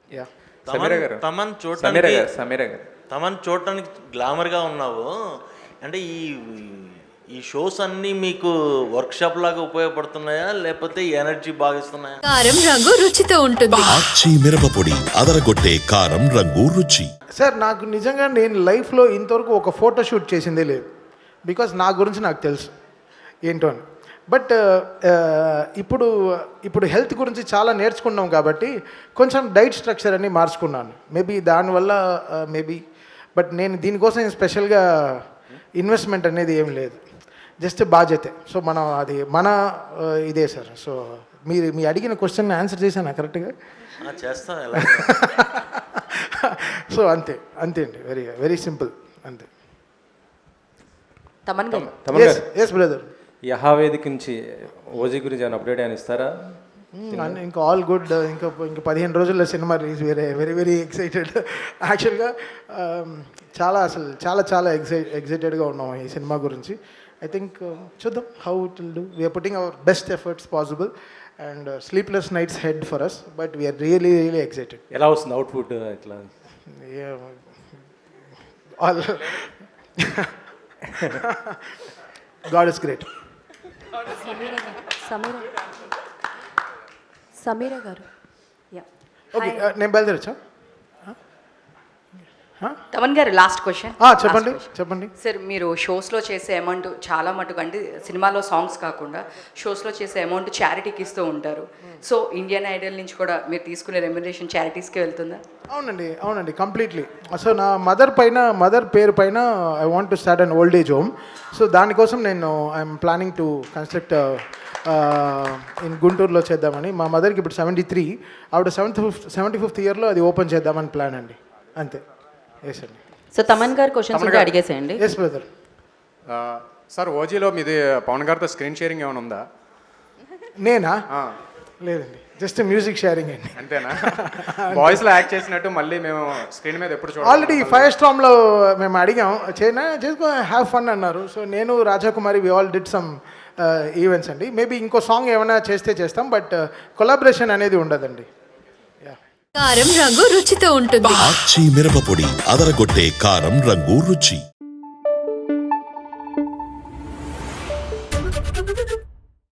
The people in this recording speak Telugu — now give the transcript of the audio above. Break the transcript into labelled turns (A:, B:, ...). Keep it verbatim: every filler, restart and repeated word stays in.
A: యా
B: తమన్
A: సమీర గారు
B: తమన్
A: సమీర
B: చూడటానికి
A: గారు సమీర గారు
B: తమన్ చూడటానికి గ్లామర్గా ఉన్నావు. అంటే ఈ ఈ షోస్ అన్నీ మీకు వర్క్షాప్ లాగా ఉపయోగపడుతున్నాయా లేకపోతే ఎనర్జీ బాగా ఇస్తున్నాయా?
C: కారం రంగు రుచితో ఉంటుంది.
D: ఆచి మిరపపొడి అదరగొట్టే కారం రంగు రుచి.
E: సార్ నాకు నిజంగా నేను లైఫ్లో ఇంతవరకు ఒక ఫోటో షూట్ చేసిందే లేదు. బికాస్ నా గురించి నాకు తెలుసు ఏంటో అని. బట్ ఇప్పుడు ఇప్పుడు హెల్త్ గురించి చాలా నేర్చుకున్నాం కాబట్టి కొంచెం డైట్ స్ట్రక్చర్ అన్ని మార్చుకున్నాను. మేబీ దానివల్ల మేబీ బట్ నేను దీనికోసం స్పెషల్గా ఇన్వెస్ట్మెంట్ అనేది ఏం లేదు, జస్ట్ బాధ్యతే. సో మనం అది మన ఇదే సార్. సో మీరు మీ అడిగిన క్వశ్చన్ ఆన్సర్ చేశాను కరెక్ట్గా
B: చేస్తాం ఎలా?
E: సో అంతే అంతే అండి, వెరీ వెరీ సింపుల్ అంతే.
F: తమన్ గారు
A: తమన్ గారు
E: ఎస్ బ్రదర్.
A: యహావేదిక నుంచి ఓజీ గురించి ఏమైనా అప్డేట్ అని ఇస్తారా?
E: ఇంకా ఆల్ గుడ్. ఇంకా ఇంకా పదిహేను రోజుల్లో cinema release. Very very very excited. యాక్చువల్గా చాలా అసలు చాలా చాలా ఎక్సై ఎక్సైటెడ్గా ఉన్నాం ఈ సినిమా గురించి. ఐ థింక్ చూద్దాం how it will do. We're putting our best efforts possible and sleepless nights head for us, but we're really really excited.
A: ఎలా వస్తుంది అవుట్పుట్ ఇట్లా?
E: All God is great.
F: Samira Samira garu yeah
E: okay నేను బయలుదేరచ్చా?
F: తమన్ గారు లాస్ట్ క్వశ్చన్
E: చెప్పండి చెప్పండి.
F: సార్ మీరు షోస్లో చేసే అమౌంట్ చాలా మటుకు అంటే సినిమాలో సాంగ్స్ కాకుండా షోస్లో చేసే అమౌంట్ చారిటీకి ఇస్తూ ఉంటారు. సో ఇండియన్ ఐడల్ నుంచి కూడా మీరు తీసుకునే రెమ్యునరేషన్ చారిటీస్కి వెళ్తుందా?
E: అవునండి అవునండి కంప్లీట్లీ. సో నా మదర్ పైన మదర్ పేరు పైన I want to start an old age home. So దానికోసం నేను I'm planning to construct in గుంటూరులో చేద్దామని. మా మదర్కి ఇప్పుడు సెవెంటీ త్రీ ఆవిడ సెవెంత్ ఫిఫ్త్ సెవెంటీ ఫిఫ్త్ ఇయర్లో అది ఓపెన్ చేద్దామని ప్లాన్ అండి. అంతే. ఎస్ అండి.
F: సో తమన్ గారు క్వశ్చన్స్ ఉంటే అడిగేసేయండి.
E: Yes brother.
G: సార్ ఓజీలో మీది పవన్ గారితో స్క్రీన్ షేరింగ్ ఏమైనా ఉందా?
E: నేనా? లేదండి, జస్ట్ మ్యూజిక్ షేరింగ్ అండి.
G: అంతేనా? వాయిస్లో యాక్ట్ చేసినట్టు మళ్ళీ మేము స్క్రీన్ మీద ఎప్పుడు చూడాలి?
E: ఆల్రెడీ ఫైర్ స్టామ్లో మేము అడిగాం చేయనా చేసుకో హ్యావ్ ఫన్ అన్నారు. సో నేను Raja Kumari we all did some events అండి. మేబీ ఇంకో సాంగ్ ఏమైనా చేస్తే చేస్తాం, బట్ కొలాబరేషన్ అనేది ఉండదండి.
C: కారం రంగు రుచితో ఉంటుంది.
D: ఆచి మిరపపొడి అదరగొట్టే కారం రంగు రుచి.